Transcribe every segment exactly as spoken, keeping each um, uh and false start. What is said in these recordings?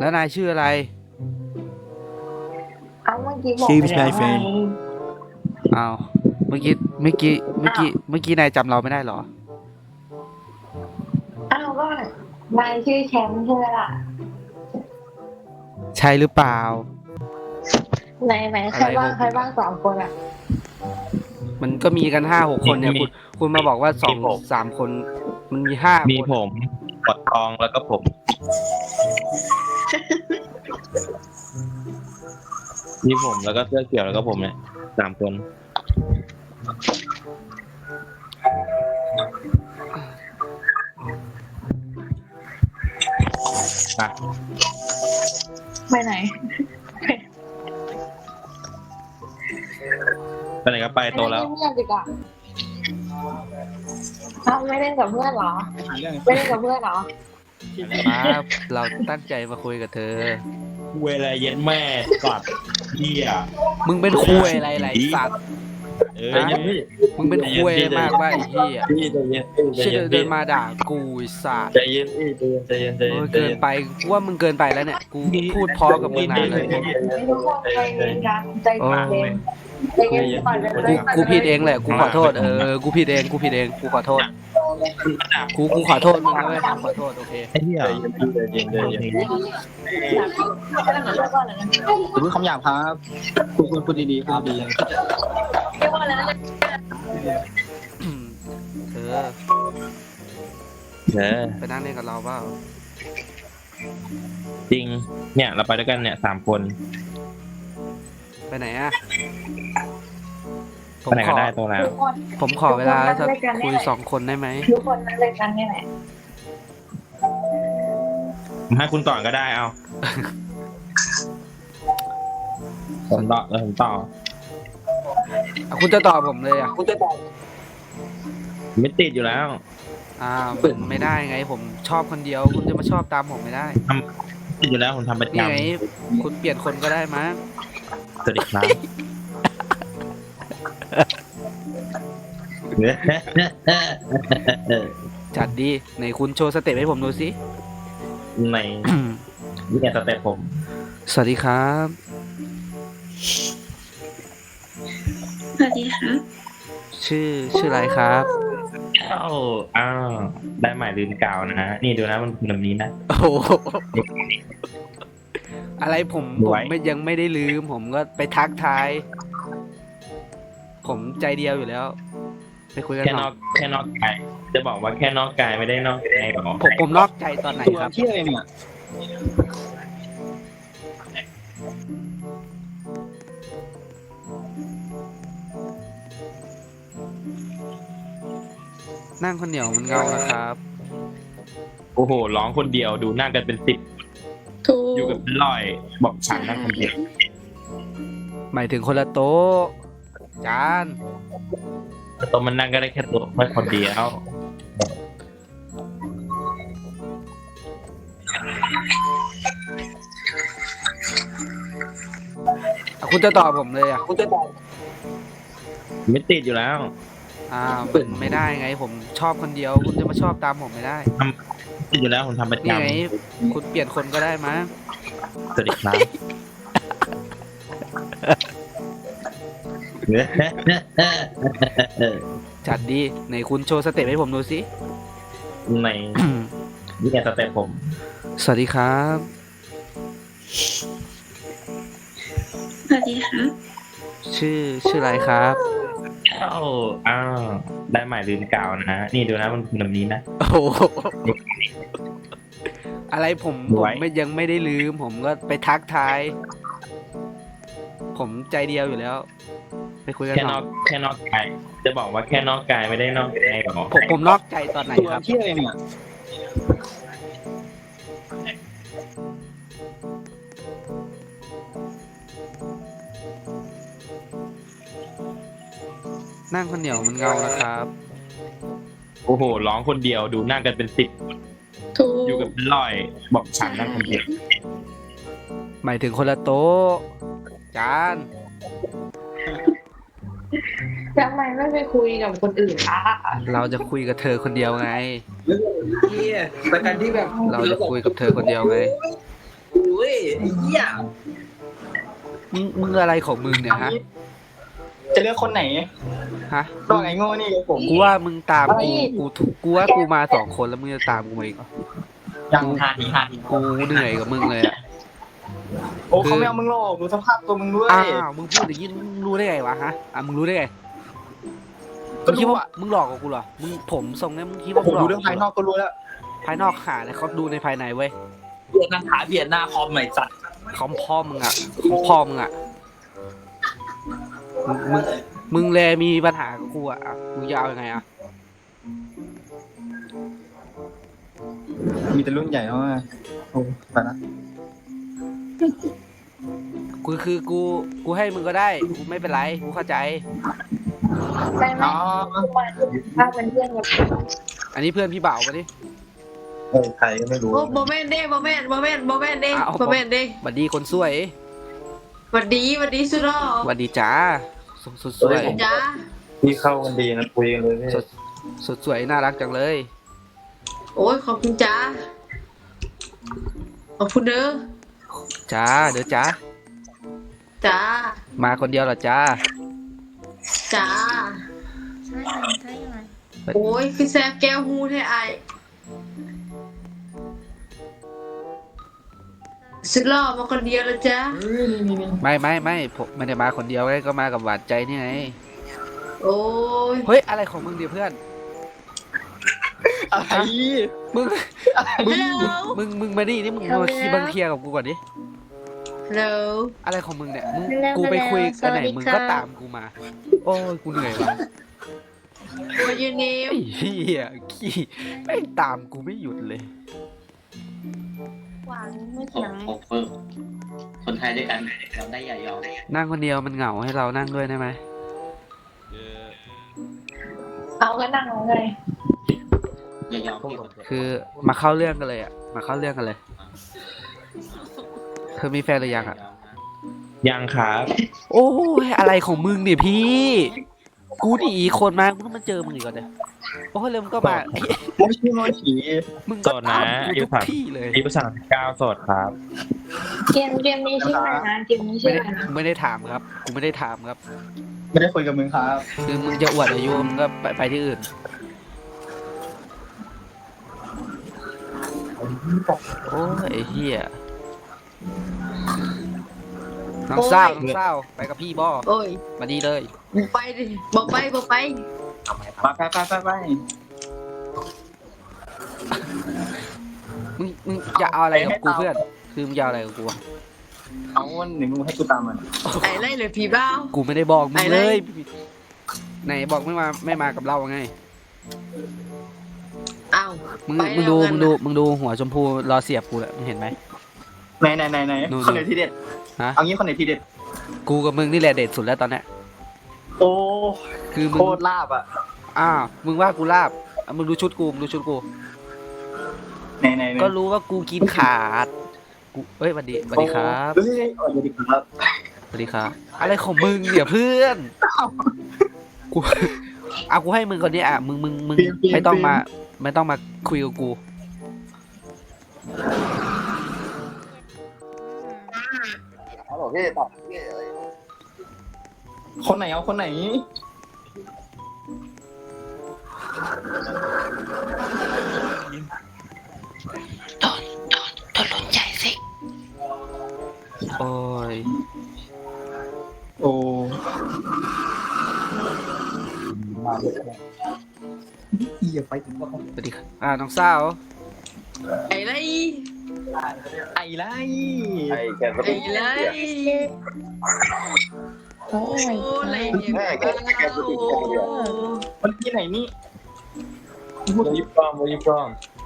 แล้วนายชื่ออะไรเอาเมื่อกี้บอกชื่อไปพี่แล้ชายว แฟไงนอ้าวเมื่อกี้เมื่อกี้เมื่อกี้เมื่อกี้นายจำเราไม่ได้เหรออ้าวก็นายชื่อแชมป์ใช่ไหมล่ะใช่หรือเปล่าไหนไหนใครบ้างใครบ้างสองคนอ่ะมันก็มีกันห้าหกคนเนี่ยมีคุณคุณมาบอกว่าสองมีผมสามคน มันมีห้ามีคนผมกดทองแล้วก็ผม มีผมแล้วก็เสื้อเขียวแล้วก็ผมเนี่ยสามคนอ่ะไปไหนไปไหนก็ไปโตแล้วไม่เล่นเพื่อนดีกว่าอ้าวไม่เล่นกับเพื่อนเหรอ ไม่เล่นกับเพื่อนเหรอครับเราตั้งใจมาคุยกับเธอเวลาเย็นแม่สัตว์เหี้ยมึงเป็นคุยอะไรไรสัตว์เออเย็นพี่มึงเป็นคุยมากว่าไอ้เหี้ยพี่ใจเย็นพี่ใจเชื่เย็อน เดิพี่นมาด่ากูไอ้สัตว์ใจเย็นพี่ใจเย็นใจเย็นใจเอเย็อน เกินไปกูว่ามึงเกินไปแล้วเนี่ยกูพูดเพอกับมึงนานเลยทุกคนใจเย็นกันใจเย็นใจเย็นก่อนเลยกูกูผิดเองแหละกูขอโทษเออกูผิดเองกูผิดเองกูขอโทษกูกูขอโทษมึงนะเว้ยกูขอโทษโอเคไอ้เหี้ยใจเย็นใจเย็นใจเย็นอย่าพูดคำหยาบครับพูดพูดพูดดีๆพูดดีเรียกว่าอะไรนะอืมเธอเออไปนั่งเล่นกับเราเปล่าจริง เนี่ยเราไปด้วยกันเนี่ยสามคนไปไหนอะผไปมไหนขก็อได้ตัวแล้วทุกคนผมขอเวลาสักคุยสองคนได้ไหมทุกคนนั่งเล่นกันนี่แหละผมให้คุณก่อนก็ได้เอาผมต่อเออผมต่ออ่ะคุณจะตอบผมเลยอ่ะกูจะบอกไม่ติดอยู่แล้วอ่ามันไม่ได้ไง ผมชอบคนเดียว คุณจะมาชอบตามผมไม่ได้ติดอยู่แล้วผมทำประนี่จำไง คุณเปลี่ยนคนก็ได้มั้งสวัสดีครับจัดดีไหนคุณโชว์สเต็ปให้ผมดูสิในนี่ไงสเต็ปผมสวัสดีครับสวัสดีครับชื่อชื่ออะไรครับเอ้าอ้าวได้หมายลืมกาวนะ นี่ดูนะมันเป็นแบบนี้นะโอ้โหอะไรผมผไว้มไม่ยังไม่ได้ลืม ผมก็ไปทักทาย ผมใจเดียวอยู่แล้ว ไปคุยกันแค่หนน่ออยกแค่นอกกายจะบอกว่าแค่นอกกายไม่ได้นอกใจหรอผมผมนอกใจตอนไหนๆตัวครับเที่ยอะไรเนี่ยนั่งคนเดียวมันเงานะครับโอ้โหร้องคนเดียวดูหน้ากันเป็นสิบถูอยู่กับกเป็นร้อยบอกฉันนั่งคนเดียวหมายถึงคนละโต๊ะ จานตัวมันนั่งก็ได้แค่ตัวแค่คนเดียวอ่ะคุณจะตอบผมเลยอ่ะกูจะบอกไม่ติดอยู่แล้วอ่ามันไม่ได้ไง ผมชอบคนเดียว คุณจะมาชอบตามผมไม่ได้ติดอยู่แล้วผมทำประนี่จำไง คุณเปลี่ยนคนก็ได้มั้งสวัสดีครับจัดดีไหนคุณโชว์สเต็ปให้ผมดูสิในนี่ไงสเต็ปผมสวัสดีครับสวัสดีครับชื่อชื่ออะไรครับเอ้าอ้าวได้หมายลืมกาวนะ นี่ดูนะมันเป็นแบบนี้นะโอ้โหอะไรผมผมไว้ไม่ยังไม่ได้ลืม ผมก็ไปทักทาย ผมใจเดียวอยู่แล้ว ไปคุยกันแค่หนน่ออก ยแค่นอกกายจะบอกว่าแค่นอกกายไม่ได้นอกใจหรอผมผมนอกใจตอนไหนตัวครับเที่ยอะไรเนี่ยนั่งคนเดียวมันเงานะครับโอ้โหร้องคนเดียวดูหน้ากันเป็นสิบถูกอยู่กับเป็นร้อยบอกฉันนั่งคนเดียวหมายถึงคนละโต๊ะ จานทำไมไม่ไปคุยกับคนอื่นล่ะเราจะคุยกับเธอคนเดียวไงเที่ยแต่การที่แบบเราจะคุยกับเธอคนเดียวไงกูก็ไอ้เหี้ยมึงมึงอะไรของมึงเนี่ยฮะจะเลือกคนไหนฮะตัวไอ้โง่นี่กับผมกูว่ามึงตามกูกูถูกกูว่ากูมาสองคนแล้วมึงจะตามกูมาอีกเหรอยังหาทีหาทีกูเหนื่อยกับมึงเลยอ่ะโอ้เขาไม่เอามึงหรอกดูสภาพตัวมึงด้วยอ้าวมึงพูดอย่างนี้มึงรู้ได้ไงวะฮะอ่ะมึงรู้ได้ไงมึก็งคิดรู้ว่าอะมึงหลอกกับกูเหรอมึงผมทรงเนี้ยมึงคิดว่าผมึมงหลอกดูเรื่องภายนอกก็รู้แล้วภายนอกหาเลยเขาดูในภายในเว้ยเบียดหน้าขาเบียดหน้าคอมใหม่สัตว์คอมพ่อมึงอ่ะคอมพ่อมึงอ่ะมึงมึงมึงแลมีปัญหากับกูอ่ะอ่ะมึงจะเอายังไงอ่ะมีแต่รุ่นใหญ่เนาะโอ้ไปละกูคือกูกูให้มึงก็ได้กูไม่เป็นไรกูเข้าใจไม่ไม่อ๋อถ้าเป็นเพื่อนกับอันนี้เพื่อนพี่บ่าวมาดิเฮ้ยใครก็ไม่รู้โอ้โมเมนต์เด้โมเมนต์โมเมนต์โมเมนต์เด้โมเมนต์เด้หวัดดีคนสวยหวัดดีหวัดดีสุดหรอหวัดดีจ้าสดสดสวยจ้าพี่เข้ากันดีนะคุยกันเลยพี่สดสดสวยน่ารักจังเลยโอ้ยขอบคุณจ้าขอบคุณเด้อจ้าเดี๋ยวจ้าจ้ามาคนเดียวเหรอจ้าจ้าใช่ไหมใช่ไหมโอ้ยคือแซบแก้วหูแท้ไอสุดหล่อมาคนเดียวแล้วจ้าไม่ไม่ไม่ผมไม่ได้มาคนเดียวไงก็มากับหวานใจนี่ไงโอ้ยเฮ้ยอะไรของมึงเดี๋ยวเพื่อนอะไรมึงฮัลโหลมึงมึงมาดินี่มึงมาคีบังเคลียร์กับกูก่อนดิฮัลโหลอะไรของมึงเนี่ยมึงกูไปคุยกันไหนมึงก็ตามกูมา โอ้ยกูเหนื่อยว่ะ What your ไอ้ name เหี้ยขี้แม่งตามกูไม่หยุดเลยหวานไม่โคเถียงโคเฟอร์คนไทยด้วยกันจำได้อย่ายอมนั่งคนเดียวมันเหงาให้เรานั่งด้วยได้ไหมเอาก็นั่งเอาเลยอย่ายอมพี่คือมาเข้าเรื่องกันเลยอ่ะมาเข้าเรื่องกันเลยเธอมีแฟนหรือยังอ่ะยังครับโอ้ยอะไรของมึงเนี่ยพี่ กูหนีคนมากูต้องมาเจอมึงอีกก่อนเนี่ยโอ้ยเร็วมึงก็มาไอ้ไม่ใช่โมฉีมึงโสก็ดนะตามกูอายุทุกสามที่เลยอายุสามสิบเก้าโสดครับเกมเกมนี้ชื่ออะไรนะเกมนี้ไม่ชื่อได้อะไรนะไม่ได้ถามครับกูไม่ได้ถามครับไม่ได้คุยกับมึงครับคือมึงจะอวดอายุมึงก็ไปไปที่อื่นโอ้ยไอ้เหี้ยน้องเศร้าน้องเศร้าไปกับพี่บ่โอ้ยมาดีเลยบอกไปดิบอกไปบอกไปมาไปไปไปไปมึงมึงจะเอาอะไรกับกูเพื่อนคือมึงจะเอาอะไรกับกูอะเอาวันหนึ่งมึงให้กูตามมันไอ้ไรเลยพี่บ้าวกูไม่ได้บอกมึงไปเลเลยยไหนบอกไม่มาไม่มากับเราไงอ้าวมึงไปมึงดูแล้วมึงกันดูนะมึงดูหัวชมพูรอเสียบกูแหละมึงเห็นไหมไหนไหนไหนไหนนู่นคนไหนที่เด็ดฮะเอางี้คนไหนที่เด็ดกูกับมึงนี่แหละเด็ดสุดแล้วตอนเนี้ยโอ้คือมึโคงตรลาบอ่ะอ้าวมึงว่ากูลาบอ่ะมึงดูชุดกูมึงดูชุดกูไหนไหนไหนก็รู้ว่ากูกินขาดกูเอ้ยสวัสดีสวัสดีครับเฮ้ยสวัสดีครับสวัสดีครับอะไรของมึงเนี่ยเพื่อนกูเอากูให้มึงคนนี้อ่ะมึงมึงมึงไม่ต้องมาไม่ต้องมาคุยกับกูคนไหนเอาคนไหนโอ้ยโอ้เหี้ยไปถึงว่าสวัสดีครับอ่าน้องสาวไอ้ไรไอ้ไรไอ้แกไอ้ไรโอ้ยโอ้ไรเนี่ยบ้าวคนที่ไหนนี่วอยิบกล้องวอยิบกล้อง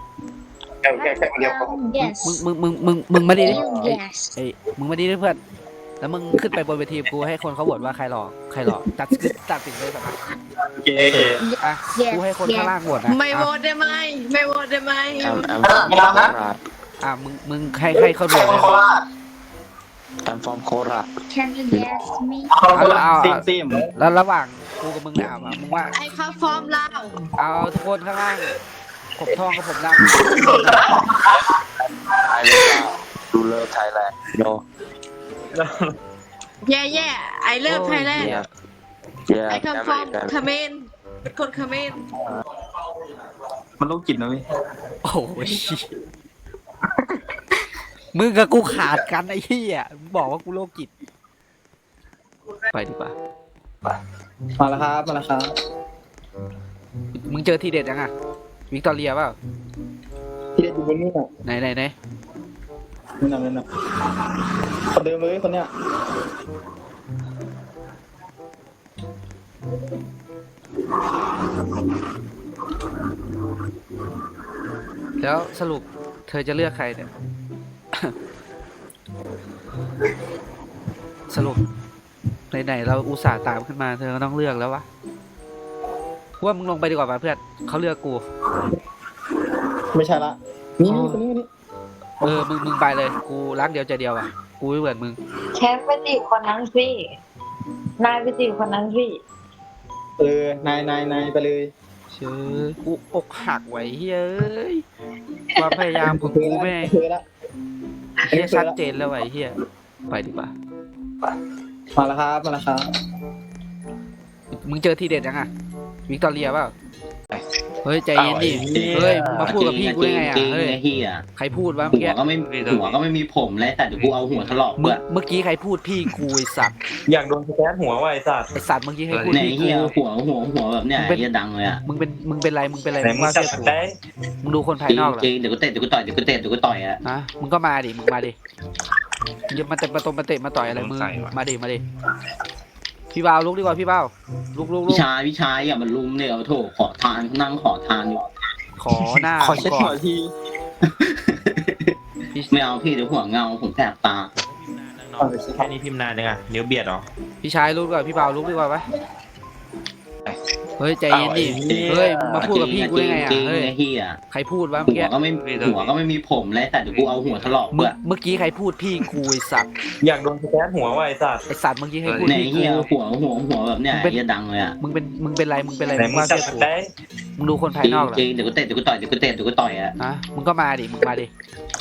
yes มึงมึงมึงมึงมึงมาดิ yes เอ้ยมึงมาดิด้วยเพื่อนแล้วมึงขึ้นไปบนเวทีกูให้คนเขาโหวตว่าใครหล่อใครหล่อตัดตัดสินเลยสักครั้งโอเคอ่ะกูให้คนข้างล่างโหวตนะไม่โหวอ่ะตได้ไหมไม่โหวตได้ไหมไม่รับนะอ่ะมึงมึงให้ให้เขาโหวตเลย I'm from Korat. can you guess me เอาเอาซิมซิมแล้วระหว่างกูกับมึงเนี่ยเอามามึงว่าไอ้ข้าฟอร์มลาวเอาทุกคนข้างล่างผมทองกับผมดำดูเลิฟไทยแลนด์โนแย่แย่ไอเลิฟไทยแลนด์ yeah yeah ไอคัมฟอร์มคาเมนคนคาเมนมันโรคจิตนะพี่โอ้ยมึงกับกูขาดกันไอ้เหี้ยมึงบอกว่ากูโรคจิตไปดีกว่ามาแล้วครับมาแล้วครับมึงเจอทีเด็ดยังอ่ะวิกตอเรียเปล่าที่เด็ดอยู่บนนี่น่ะไหนไหนไหนนี่น่ะนี่น่ะคนเดิมเลยคนเนี้ยแล้วสรุปเธอจะเลือกใครเนี่ย สรุปไหนๆเราอุตส่าห์ตามขึ้นมาเธอก็ต้องเลือกแล้ววะว่ามึงลงไปดีกว่าป่ะเพื่อนเขาเลือกกูไม่ใช่ละนี่นี่คนนี้คนนี้เออมึงมึงไปเลยกูรักเดียวใจเดียวอ่ะกูไม่เหมือนมึงแชมป์ไปจีบคนนั้นสินายไปจีบคนนั้นสิเออนายนายนายไปเลยเชื่อกูอกหักไว้เฮ้ยความพยายามของกูแม่งเคยละเฮียชัดเจนแล้วไอ้เฮียไปดีกว่ามาแล้วครับมาแล้วครับมึงเจอทีเด็ดยังอ่ะวิกตอเรียเปล่าเฮ้ยใจเย็นดิเฮ้ยมึงมาพูดกับพี่กูได้ไงอ่ะจริงเฮ้ยไอ้เหี้ยใครพูดวะเมื่อหักี้วก็ไม่หัวก็ไม่มีผมเลยแต่เดี๋ยวกูเอาหัวถลอกเมื่เบื่ออเมื่อกี้ใครพูดพี่กูไอสัตว์อยากโดนสแกนหัวว่ะไอ้สัตว์ไอสัตว์เมื่อกี้ใครพูดในพี่เหี้ยกูหัวหัวหัวแบบเนี้ยไอ้เหี้ยดังเลยอ่ะมึงเป็นมึงเป็นไรมึงเป็นไรไหนมึงมึงว่าจับเชื่อสกูแกนมึงดูคนภาจยริงนอกเหรอจริงเดี๋ยวกูเตะเดี๋ยวกูต่อยเดี๋ยวกูเตะเดี๋ยวกูต่อยอ่ะนะมึงก็มาดิมึงมาดิอย่ามาเตะมาตรงมาเตะมาต่อยอะไรมึงมาดิมาดิพี่บ่าวลุกดีกว่าพี่บ่าวลุกลุกลุพี่กชายพี่ชายอย่ามาลุมเนี่ยเอาโถขอทานนั่งขอทานอยู่ขอหน้าขอเช็ดก่หัอวน ทีไม่เอาพี่เดี๋ยวหัวเงาผมแสบตาแค่นี้พิมพ์นานยังอ่ะนิ้วเบียดเหรอพี่ชายลุกดีกว่าพี่บ่าวลุกดีกว่าปะเฮ้ยใจเย็นดิเฮ้ยมึงมาพูดกับพี่กูได้ไงอ่ะจริงเฮ้ยไอ้เหี้ยใครพูดวะเมื่อหัวกี้ก็ไม่หัวก็ไม่มีผมเลยแต่เดี๋ยวกูเอาหัวถลอกเมื่เบื่ออเมื่อกี้ใครพูดพี่กูไอสัตว์อยากโดนสแกนหัวว่ะไอ้สัตว์ไอสัตว์เมื่อกี้ใครพูดในพี่เหี้ยกูหัวหัวหัวแบบเนี้ยไอ้เหี้ยดังเลยอ่ะมึงเป็นมึงเป็นไรมึงเป็นไรไหนมึงมึงว่าจับเชื่อสกูแกนมึงดูคนภาจยริงนอกเหรอจริงเดี๋ยวกูเตะเดี๋ยวกูต่อยเดี๋ยวกูเตะเดี๋ยวกูต่อยอ่ะนะมึงก็มาดิมึงมาดิ